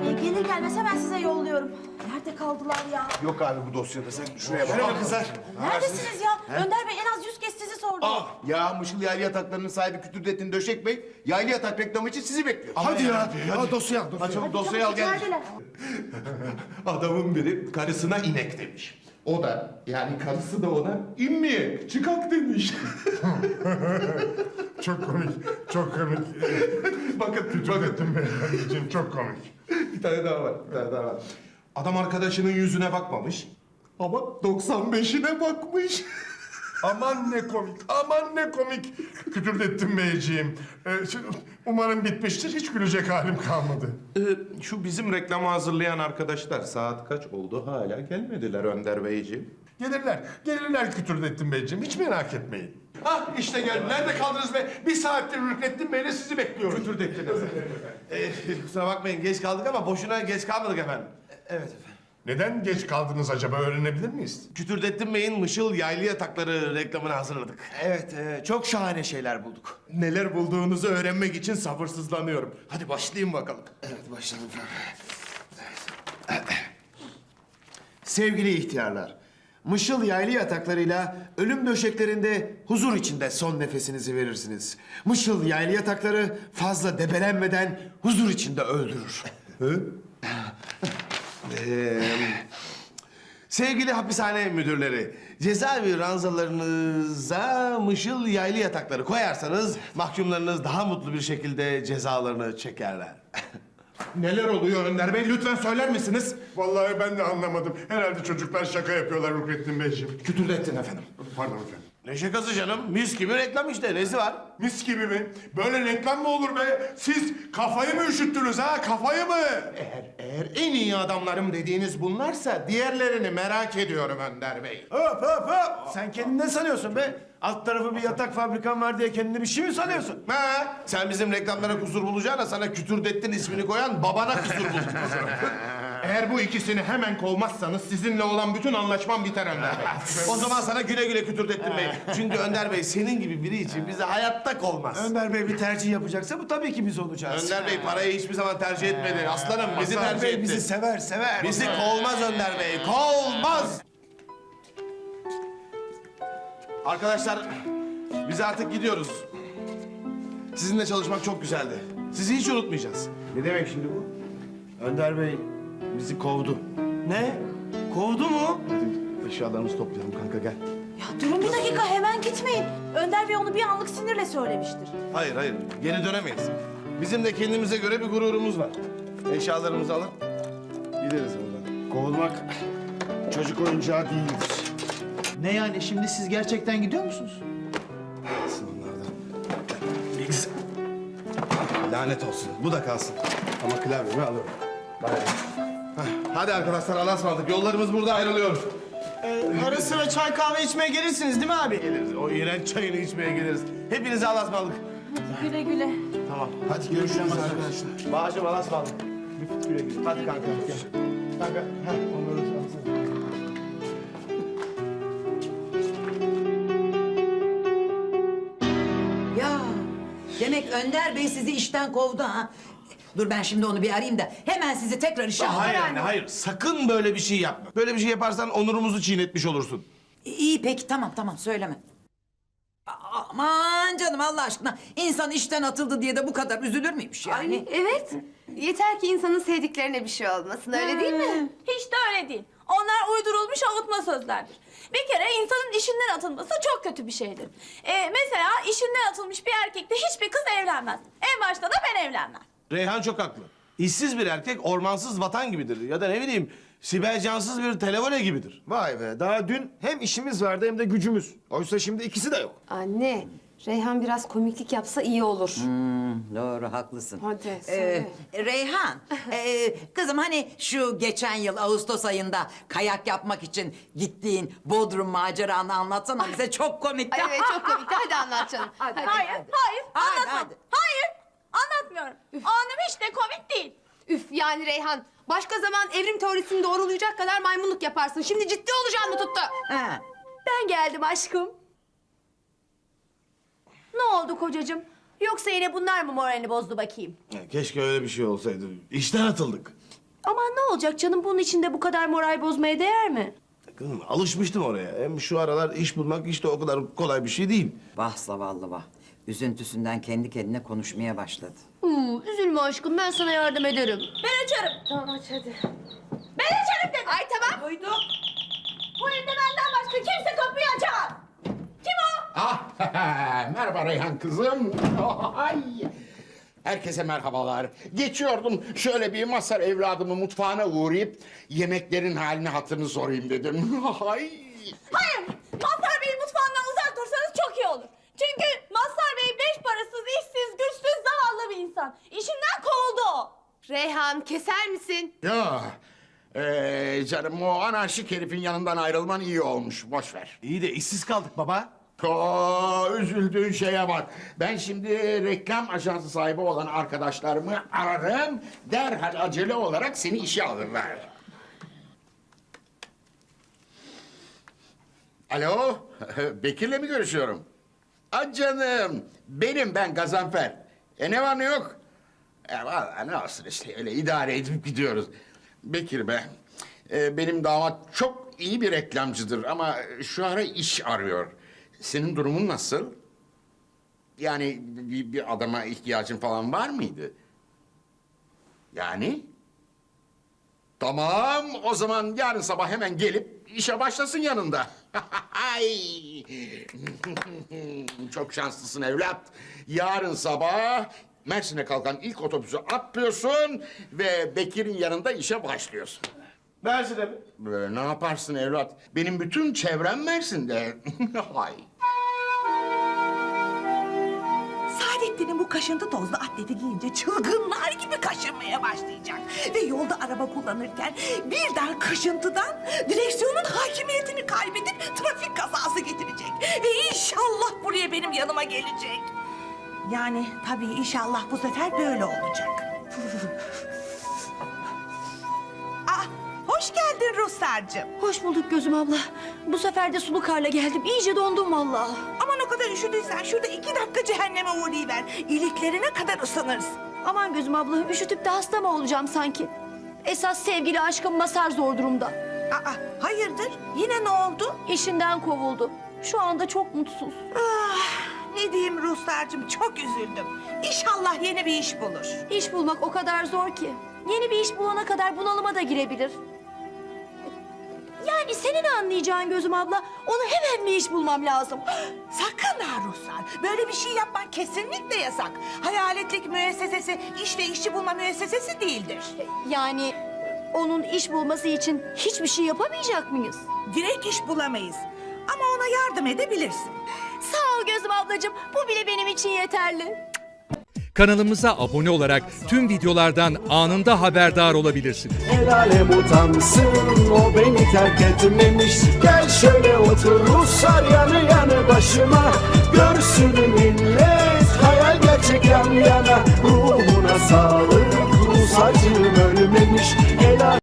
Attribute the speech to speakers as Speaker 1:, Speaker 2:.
Speaker 1: Gelir gelmez hemen size yolluyorum. Nerede kaldılar ya?
Speaker 2: Yok abi bu dosyada. Sen şuraya bak.
Speaker 3: Merhaba kızlar.
Speaker 1: Neredesiniz ya? Önder Bey en az 100 kez sizi sordu.
Speaker 2: Ya Mışıl Yaylı Yatakları'nın sahibi Kütürdettin Döşek Bey, yaylı yatak reklamı için sizi bekliyor.
Speaker 3: Hadi ya. Hadi dosyayı al.
Speaker 2: Hadi çabuk dosyayı al gel.
Speaker 1: İçerideler.
Speaker 3: Adamın biri karısına inek demiş. O da yani karısı da ona inmeye çıkak demiş.
Speaker 4: Çok komik, çok komik.
Speaker 3: bakın
Speaker 4: Kütürdettin Bey'in çok komik.
Speaker 3: bir tane daha var. Adam arkadaşının yüzüne bakmamış. Ama 95'ine bakmış.
Speaker 4: Aman ne komik, aman ne komik. Kütürdettin Beyciğim. Umarım bitmiştir, hiç gülecek halim kalmadı.
Speaker 3: Şu bizim reklamı hazırlayan arkadaşlar saat kaç oldu hala gelmediler Önder Beyciğim.
Speaker 4: Gelirler Kütürdettin Beyciğim, hiç merak etmeyin.
Speaker 3: Ah işte geldi. Nerede kaldınız be? Bir saattir Rüknettin Bey'le sizi bekliyoruz. Kütürdettin
Speaker 2: Kusura bakmayın geç kaldık ama boşuna geç kalmadık efendim.
Speaker 5: Evet efendim.
Speaker 4: Neden geç kaldınız acaba, öğrenebilir miyiz?
Speaker 2: Kütürdettin Bey'in Mışıl Yaylı Yatakları reklamını hazırladık.
Speaker 5: Evet, çok şahane şeyler bulduk.
Speaker 3: Neler bulduğunuzu öğrenmek için sabırsızlanıyorum. Hadi başlayın bakalım.
Speaker 5: Evet, başlayalım efendim. Sevgili ihtiyarlar, Mışıl Yaylı Yatakları'yla ölüm döşeklerinde huzur içinde son nefesinizi verirsiniz. Mışıl Yaylı Yatakları fazla debelenmeden huzur içinde öldürür.
Speaker 2: Sevgili hapishane müdürleri, cezaevi ranzalarınıza Mışıl Yaylı Yatakları koyarsanız mahkumlarınız daha mutlu bir şekilde cezalarını çekerler.
Speaker 3: Neler oluyor Önder Bey? Lütfen söyler misiniz?
Speaker 4: Vallahi ben de anlamadım. Herhalde çocuklar şaka yapıyorlar Rüknettin Beyciğim.
Speaker 3: Kütürdettin efendim.
Speaker 4: Pardon efendim.
Speaker 2: Ne şakası canım? Mis gibi reklam işte. Nesi var?
Speaker 4: Mis gibi mi? Böyle reklam mı olur be? Siz kafayı mı üşüttünüz ha? Kafayı mı?
Speaker 3: Eğer en iyi adamlarım dediğiniz bunlarsa diğerlerini merak ediyorum Önder Bey.
Speaker 5: Hop hop hop! Sen kendini ne sanıyorsun be? Alt tarafı bir yatak fabrikan var diye kendini bir şey mi sanıyorsun?
Speaker 2: Ha? Sen bizim reklamlara kusur bulacağına sana Kütürdettin ismini koyan babana kusur bulacak.
Speaker 3: Eğer bu ikisini hemen kovmazsanız sizinle olan bütün anlaşmam biter Önder Bey.
Speaker 2: O zaman sana güle güle Kütürdettin Bey. Çünkü Önder Bey senin gibi biri için bize hayatta olmaz.
Speaker 5: Önder Bey bir tercih yapacaksa bu tabii ki biz olacağız.
Speaker 2: Önder Bey parayı hiçbir zaman tercih etmedi. Aslanım bizi
Speaker 5: Önder
Speaker 2: tercih
Speaker 5: Bey
Speaker 2: etti.
Speaker 5: bizi sever, sever.
Speaker 2: Bizi kovmaz Önder Bey. Kovmaz. Arkadaşlar biz artık gidiyoruz. Sizinle çalışmak çok güzeldi. Sizi hiç unutmayacağız.
Speaker 5: Ne demek şimdi bu? Önder Bey bizi kovdu. Ne? Kovdu mu?
Speaker 2: Hadi eşyalarımızı toplayalım kanka gel.
Speaker 1: Ya durun bir dakika hemen gitmeyin. Önder Bey onu bir anlık sinirle söylemiştir.
Speaker 2: Hayır hayır geri dönemeyiz. Bizim de kendimize göre bir gururumuz var. Eşyalarımızı alın. Gideriz buradan.
Speaker 5: Kovulmak çocuk oyuncağı değildir.
Speaker 6: Ne yani şimdi siz gerçekten gidiyor musunuz?
Speaker 2: Kalsın onlardan. X. Lanet olsun. Bu da kalsın. Ama klavyemi alırım. Hadi arkadaşlar Allah'a ısmarladık. Yollarımız burada ayrılıyor.
Speaker 6: Ara sıra çay kahve içmeye gelirsiniz değil mi abi?
Speaker 2: Geliriz. O iğrenç çayını içmeye geliriz. Hepinize Allah'a ısmarladık.
Speaker 1: Güle güle.
Speaker 2: Tamam. Hadi görüşürüz arkadaşlar. Bağışım Allah'a ısmarladık. Güle güle. Hadi kanka. Gel. Kanka. Onları alsana.
Speaker 7: Ya demek Önder Bey sizi işten kovdu ha. Dur ben şimdi onu bir arayayım da hemen sizi tekrar işe
Speaker 2: Hayır
Speaker 7: alayım.
Speaker 2: anne hayır. Sakın böyle bir şey yapma. Böyle bir şey yaparsan onurumuzu çiğnetmiş olursun.
Speaker 7: İyi peki tamam söyleme. Aman canım Allah aşkına insan işten atıldı diye de bu kadar üzülür müymüş yani?
Speaker 8: Ay, evet. Yeter ki insanın sevdiklerine bir şey olmasın, öyle değil mi?
Speaker 1: Hiç de öyle değil. Onlar uydurulmuş avutma sözlerdir. Bir kere insanın işinden atılması çok kötü bir şeydir. Mesela işinden atılmış bir erkekle hiçbir kız evlenmez. En başta da ben evlenmem.
Speaker 2: Reyhan çok haklı. İşsiz bir erkek ormansız vatan gibidir. Ya da ne bileyim Sibel Cansız bir televole gibidir.
Speaker 5: Vay be, daha dün hem işimiz vardı hem de gücümüz. Oysa şimdi ikisi de yok.
Speaker 8: Anne, Reyhan biraz komiklik yapsa iyi olur.
Speaker 7: Doğru haklısın.
Speaker 8: Hadi, söyle.
Speaker 7: Reyhan, kızım hani şu geçen yıl Ağustos ayında kayak yapmak için gittiğin Bodrum maceranı anlatsana bize çok komikti.
Speaker 8: Ay, evet, çok komikti. Hadi anlat canım. Hadi.
Speaker 1: Hayır, anlatmam.
Speaker 7: hadi.
Speaker 1: Hayır, anlatmıyorum. O anım hiç de komik değil.
Speaker 8: Üf, yani Reyhan, başka zaman evrim teorisini doğrulayacak kadar maymunluk yaparsın. Şimdi ciddi olacağım mı tuttu?
Speaker 7: Ha.
Speaker 1: Ben geldim aşkım. Ne oldu kocacığım?
Speaker 8: Yoksa yine bunlar mı moralini bozdu bakayım?
Speaker 2: Ya keşke öyle bir şey olsaydı. İşten atıldık.
Speaker 8: Aman ne olacak canım, bunun içinde bu kadar moral bozmaya değer mi?
Speaker 2: Kızım alışmıştım oraya. Hem şu aralar iş bulmak işte o kadar kolay bir şey değil.
Speaker 7: Vah zavallı vah. Üzüntüsünden kendi kendine konuşmaya başladı.
Speaker 8: Üzülme aşkım, ben sana yardım ederim.
Speaker 1: Ben açarım.
Speaker 8: Tamam aç hadi.
Speaker 1: Ben açarım dedim.
Speaker 8: Ay tamam.
Speaker 1: Duydum. Bu evde benden başka kimse kapıyı açamaz. Kim o?
Speaker 9: Ah, merhaba Reyhan kızım. Ay. Herkese merhabalar. Geçiyordum şöyle bir Mazhar evladımı mutfağına uğrayıp yemeklerin halini hatırını sorayım dedim. Ay.
Speaker 1: Hayır. Mazhar Bey'in mutfağından uzak dursanız çok iyi olur. Çünkü Mazhar Bey beş parasız, işsiz, güçsüz, zavallı bir insan. İşinden kovuldu o.
Speaker 8: Reyhan keser misin?
Speaker 9: Ya. Canım o anarşik herifin yanından ayrılman iyi olmuş. Boş ver.
Speaker 5: İyi de işsiz kaldık baba.
Speaker 9: Üzüldüğün şeye bak. Ben şimdi reklam ajansı sahibi olan arkadaşlarımı ararım. Derhal acele olarak seni işe alırlar. Alo, Bekir'le mi görüşüyorum? Canım, ben Gazanfer. Ne var ne yok? Vallahi ne olsun işte öyle idare edip gidiyoruz. Bekir be, benim damat çok iyi bir reklamcıdır ama şu ara iş arıyor. Senin durumun nasıl? Yani bir adama ihtiyacın falan var mıydı? Yani? Tamam, o zaman yarın sabah hemen gelip işe başlasın yanında. Ay! Çok şanslısın evlat. Yarın sabah Mersin'e kalkan ilk otobüsü atlıyorsun ve Bekir'in yanında işe başlıyorsun.
Speaker 2: Mersin'e mi?
Speaker 9: Ne yaparsın evlat? Benim bütün çevrem Mersin'de. Ay.
Speaker 10: Saadettin'in bu kaşıntı tozlu atleti giyince çılgınlar gibi kaşınmaya başlayacak. Ve yolda araba kullanırken birden kaşıntıdan direksiyonun hakimiyetini kaybedip trafik kazası getirecek. Ve inşallah buraya benim yanıma gelecek. Yani tabii inşallah bu sefer böyle olacak. Hoş geldin Ruslarcığım.
Speaker 8: Hoş bulduk Gözüm abla. Bu sefer de sulu karla geldim. İyice dondum vallahi.
Speaker 10: Aman o kadar üşüdüysen şurada 2 dakika cehenneme uğrayıver. İliklerine kadar ısınırsın.
Speaker 8: Aman Gözüm abla, üşütüp de hasta mı olacağım sanki? Esas sevgili aşkım Mazhar zor durumda.
Speaker 10: Hayırdır? Yine ne oldu?
Speaker 8: İşinden kovuldu. Şu anda çok mutsuz.
Speaker 10: Ne diyeyim Ruslarcığım, çok üzüldüm. İnşallah yeni bir iş bulur.
Speaker 8: İş bulmak o kadar zor ki. Yeni bir iş bulana kadar bunalıma da girebilir. Yani senin anlayacağın Gözüm abla, onu hemen bir iş bulmam lazım.
Speaker 10: Sakın ha Ruslar, böyle bir şey yapmak kesinlikle yasak. Hayaletlik müessesesi iş ve işçi bulma müessesesi değildir.
Speaker 8: Yani onun iş bulması için hiçbir şey yapamayacak mıyız?
Speaker 10: Direkt iş bulamayız ama ona yardım edebilirsin.
Speaker 8: Sağ ol Gözüm ablacığım, bu bile benim için yeterli.
Speaker 11: Kanalımıza abone olarak tüm videolardan anında haberdar olabilirsiniz.
Speaker 6: El alem utansın, o beni terk etmemiş. Gel şöyle otur Ruslar yanı yanı başıma. Görsün millet, hayal gerçek yan yana. Ruhuna sağlık, Rus acım ölmemiş. El alem...